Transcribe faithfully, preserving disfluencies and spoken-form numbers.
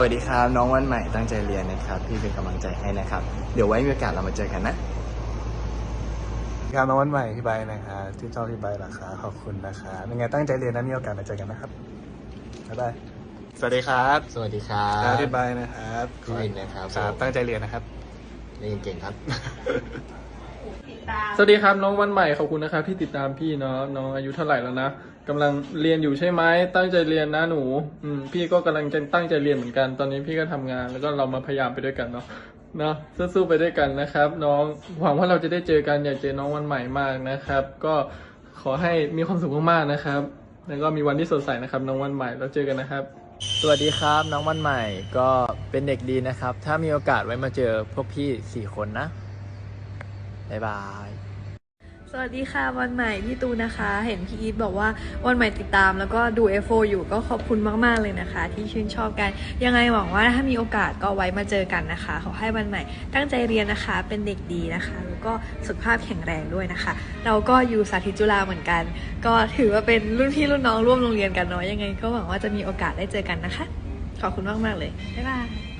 สวัสดีครับน้องวันใหม่ตั้งใจเรียนนะครับพี่เป็นกำลังใจให้นะครับเดี๋ยวไว้มีโอกาสเรามาเจอกันนะครับน้องวันใหม่พี่ใบนะคะที่ชอบพี่ใบราคาขอบคุณนะคะยังไงตั้งใจเรียนนะมีโอกาสมาเจอกันนะครับบ๊ายบายสวัสดีครับสวัสดีครับพี่ใบนะครับพี่วินนะครับครับตั้งใจเรียนนะครับเรียนเก่งครับสวัสดีครับน้องวันใหม่ขอบคุณนะครับที่ติดตามพี่เนาะน้องอายุเท่าไหร่แล้วนะกำลังเรียนอยู่ใช่ไหมตั้งใจเรียนนะหนูอืมพี่ก็กำลังจะตั้งใจเรียนเหมือนกันตอนนี้พี่ก็ทำงานแล้วก็เรามาพยายามไปด้วยกันเนาะเนาะสู้ๆไปด้วยกันนะครับ น้องหวังว่าเราจะได้เจอกันอยากเจอน้องวันใหม่มากนะครับ ก็ขอให้มีความสุขมากๆนะครับแล้วก็มีวันที่สดใสนะครับน้องวันใหม่แล้วเจอกันนะครับสวัสดีครับน้องวันใหม่ก็เป็นเด็กดีนะครับถ้ามีโอกาสไว้มาเจอพวกพี่สี่คนนะบ๊ายบายสวัสดีค่ะวันใหม่พี่ตูนนะคะ เห็นพี่อีทบอกว่าวันใหม่ติดตามแล้วก็ดู เอฟ โฟ อยู่ก็ขอบคุณมากๆเลยนะคะ ที่ชื่นชอบกันยังไงหวังว่าถ้ามีโอกาสก็ไว้มาเจอกันนะคะขอให้วันใหม่ตั้งใจเรียนนะคะเป็นเด็กดีนะคะแล้วก็สุขภาพแข็งแรงด้วยนะคะ เราก็อยู่สาธิตจุฬาเหมือนกัน ก็ถือว่าเป็นรุ่นพี่รุ่นน้องร่วมโรงเรียนกันเนาะยังไงก็หวังว่าจะมีโอกาสได้เจอกันนะคะขอบคุณมากๆเลยบ๊ายบาย